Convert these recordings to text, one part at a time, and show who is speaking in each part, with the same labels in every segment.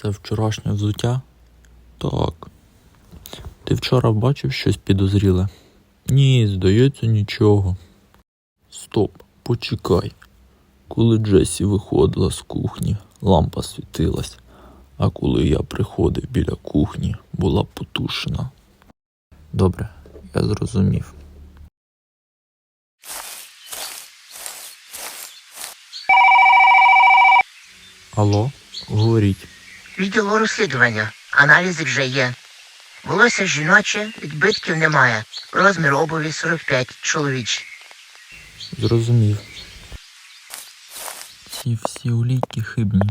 Speaker 1: Це вчорашнє взуття? Так. Ти вчора бачив щось підозріле? Ні, здається, нічого. Стоп, почекай. Коли Джесі виходила з кухні, лампа світилась, а коли я приходив біля кухні, була потушена. Добре, я зрозумів. Алло, говоріть.
Speaker 2: Відділо розслідування. Аналізи вже є. Волосся жіноче, відбитків немає. Розмір обуві 45, чоловічий.
Speaker 1: Зрозумів. Ці всі улійки хибні.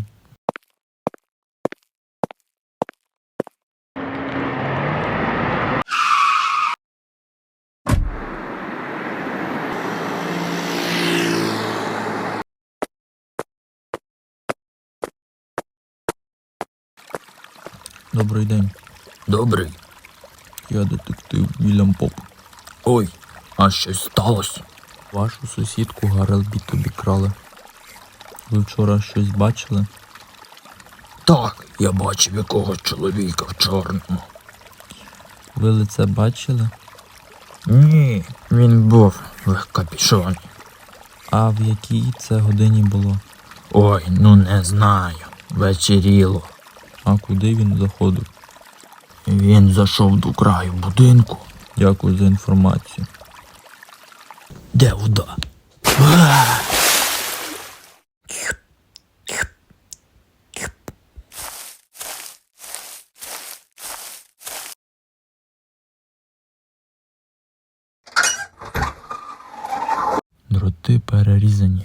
Speaker 1: Добрий день.
Speaker 3: Добрий.
Speaker 1: Я детектив Вільям Поп.
Speaker 3: Ой, а щось сталося?
Speaker 1: Вашу сусідку Гарлбіт обікрали. Ви вчора щось бачили?
Speaker 3: Так, я бачив якогось чоловіка в чорному.
Speaker 1: Ви лице бачили?
Speaker 3: Ні, він був в капюшоні.
Speaker 1: А в якій це годині було?
Speaker 3: Ой, ну не знаю. Вечеріло.
Speaker 1: А куди він заходив?
Speaker 3: Він зайшов до краю будинку.
Speaker 1: Дякую за інформацію.
Speaker 3: Де вода?
Speaker 1: Дроти перерізані.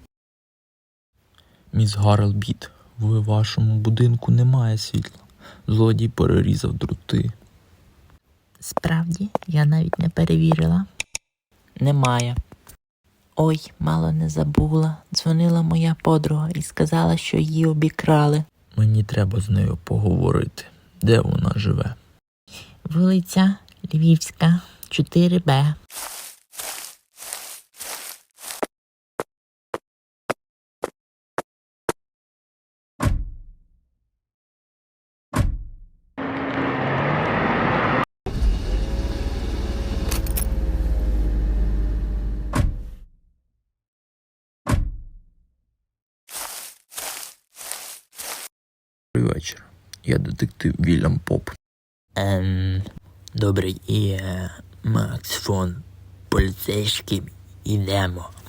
Speaker 1: Міс Гарлбіт, в вашому будинку немає світла. Злодій перерізав дроти.
Speaker 4: Справді, я навіть не перевірила. Немає. Ой, мало не забула. Дзвонила моя подруга і сказала, що її обікрали.
Speaker 1: Мені треба з нею поговорити. Де вона живе?
Speaker 4: Вулиця Львівська, 4Б.
Speaker 1: Добрий вечір. Я детектив Вільям Поп.
Speaker 3: Добрий, Макс фон поліцейським ідемо.